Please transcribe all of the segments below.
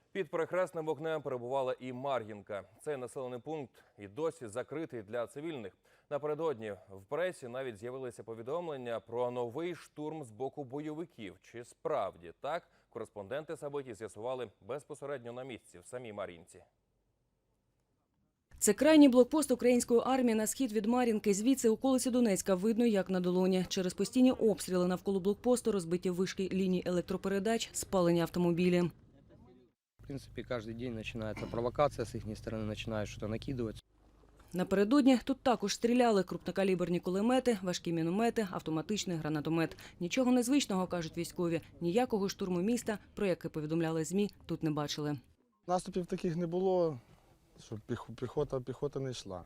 Під перехресним вогнем перебувала і Мар'їнка. Цей населений пункт і досі закритий для цивільних. Напередодні в пресі навіть з'явилися повідомлення про новий штурм з боку бойовиків. Чи справді так? Кореспонденти Сабиті з'ясували безпосередньо на місці в самій Мар'їнці. Це крайній блокпост української армії на схід від Мар'їнки. Звідси околиці Донецька видно як на долоні. Через постійні обстріли навколо блокпосту, розбиті вишки ліній електропередач, спалені автомобілі. В принципе, каждый день начинается провокация с их стороны, начинают что-то накидывать. Напередодні тут також стріляли крупнокаліберні кулемети, важкі міномети, автоматичний гранатомет. Нічого незвичного, кажуть військові. Ніякого штурму міста, про яке повідомляли ЗМІ, тут не бачили. Наступів таких не було, щоб піхота не йшла.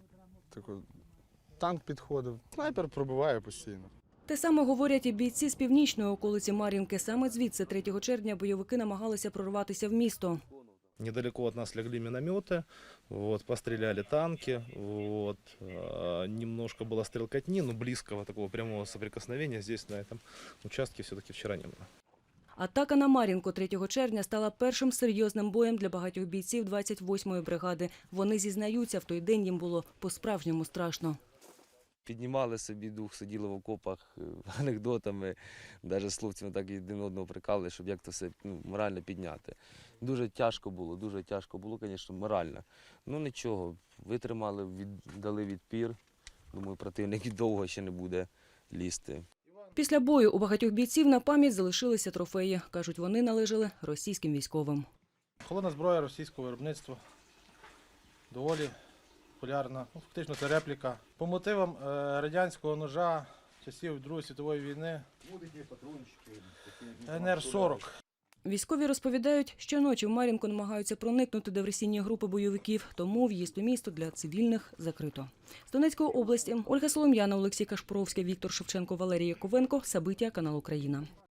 Танк підходив, снайпер пробиває постійно. Те саме говорять і бійці з північної околиці Мар'їнки. Саме звідси 3 червня бойовики намагалися прорватися в місто. Недалеко от нас легли минометы, постреляли танки, немножко было стрелкотни, но близкого такого прямого соприкосновения здесь на этом участке все-таки вчера не было. Атака на Мар'їнку 3 червня стала першим серйозним боєм для багатьох бійців 28-ї бригади. Вони зізнаються, в той день їм було по-справжньому страшно. Піднімали собі дух, сиділи в окопах анекдотами, навіть з хлопцями так і один одного прикали, щоб як то все морально підняти. Дуже тяжко було, звісно, морально. Ну нічого, витримали, дали відпір. Думаю, противник довго ще не буде лізти. Після бою у багатьох бійців на пам'ять залишилися трофеї. Кажуть, вони належали російським військовим. Холодна зброя російського виробництва. Доволі популярна. Фактично це репліка. По мотивам радянського ножа часів Другої світової війни НР-40. Військові розповідають, що ночі в Мар'їнку намагаються проникнути диверсійні групи бойовиків, тому в'їзд у місто для цивільних закрито. З Донецької області Ольга Солом'яна, Олексій Кашпровський, Віктор Шевченко, Валерій Яковенко. Сабиття, канал Україна.